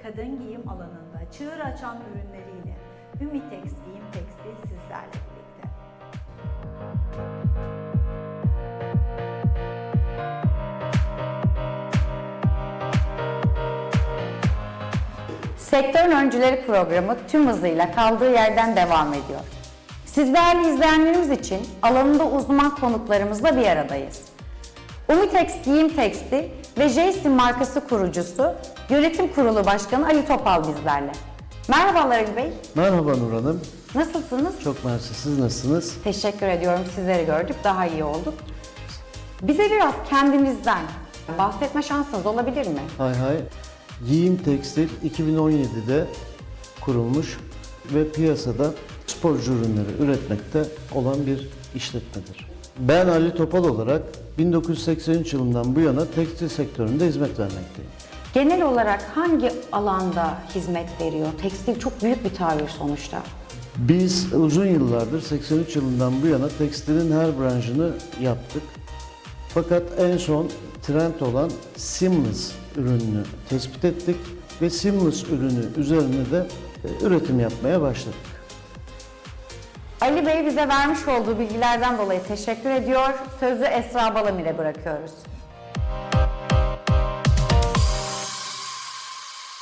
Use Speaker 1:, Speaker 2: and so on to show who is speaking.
Speaker 1: kadın giyim alanında çığır açan ürünleriyle Ümitex Giyim Tekstil sizlerle birlikte.
Speaker 2: Sektörün Öncüleri programı tüm hızıyla kaldığı yerden devam ediyor. Siz değerli izleyenlerimiz için alanında uzman konuklarımızla bir aradayız. Ümitex Giyim Tekstil ve J-Sim markası kurucusu, Yönetim Kurulu Başkanı Ali Topal bizlerle. Merhabalar Ali Bey.
Speaker 3: Merhaba Nur Hanım.
Speaker 2: Nasılsınız?
Speaker 3: Çok mersi. Siz nasılsınız?
Speaker 2: Teşekkür ediyorum. Sizleri gördük. Daha iyi olduk. Bize biraz kendinizden bahsetme şansınız olabilir mi?
Speaker 3: Hay hay. Giyim Tekstil 2017'de kurulmuş ve piyasada sporcu ürünleri üretmekte olan bir işletmedir. Ben Ali Topal olarak 1983 yılından bu yana tekstil sektöründe hizmet vermekteyim.
Speaker 2: Genel olarak hangi alanda hizmet veriyor? Tekstil çok büyük bir tabir sonuçta.
Speaker 3: Biz uzun yıllardır 83 yılından bu yana tekstilin her branşını yaptık. Fakat en son trend olan seamless ürününü tespit ettik ve seamless ürünü üzerine de üretim yapmaya başladık.
Speaker 2: Ali Bey bize vermiş olduğu bilgilerden dolayı teşekkür ediyor. Sözü Esra Balamir'e bırakıyoruz.